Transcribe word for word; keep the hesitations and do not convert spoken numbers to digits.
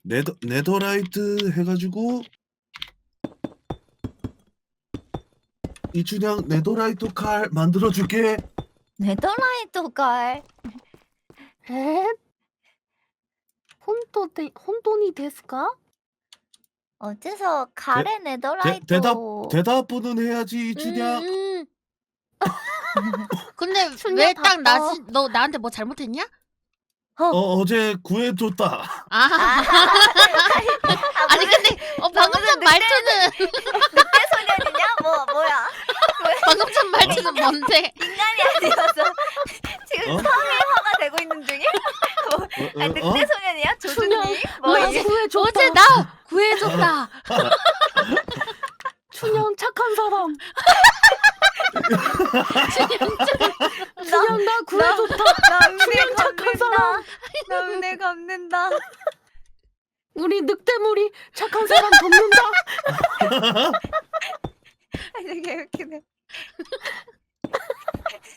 네더 네더라이트 해가지고 이춘향 네더라이트 칼 만들어줄게. 네더라이트 칼. 에? 혼돈이 혼돈이 데스까? 어째서 대, 칼에 대, 네더라이트? 대답 대답은 해야지 이춘향. 음, 음. 근데 춘향 왜 딱 바빠. 나지? 너 나한테 뭐 잘못했냐? 어 어제 구해줬다. 아, 아, 아니 근데 어, 방금 전 말투는 늑대 소년이냐? 뭐 뭐야? 방금 전 말투는 뭔데? 인간이 아니어서 지금 어? 성일화가 되고 있는 중에? 뭐, 어, 아니, 어, 어? 늑대 소년이야? 조준님? 뭐 나 이게? 구해줬다. 어제 나 구해줬다. 춘향 착한 사람. 나, 춘향 나 구해줬다. 나 은혜 춘향 착한 사람. 갚는다. 나 은혜 갚는다. 우리 늑대물이 착한 사람 돕는다. 아, 되게 웃기네.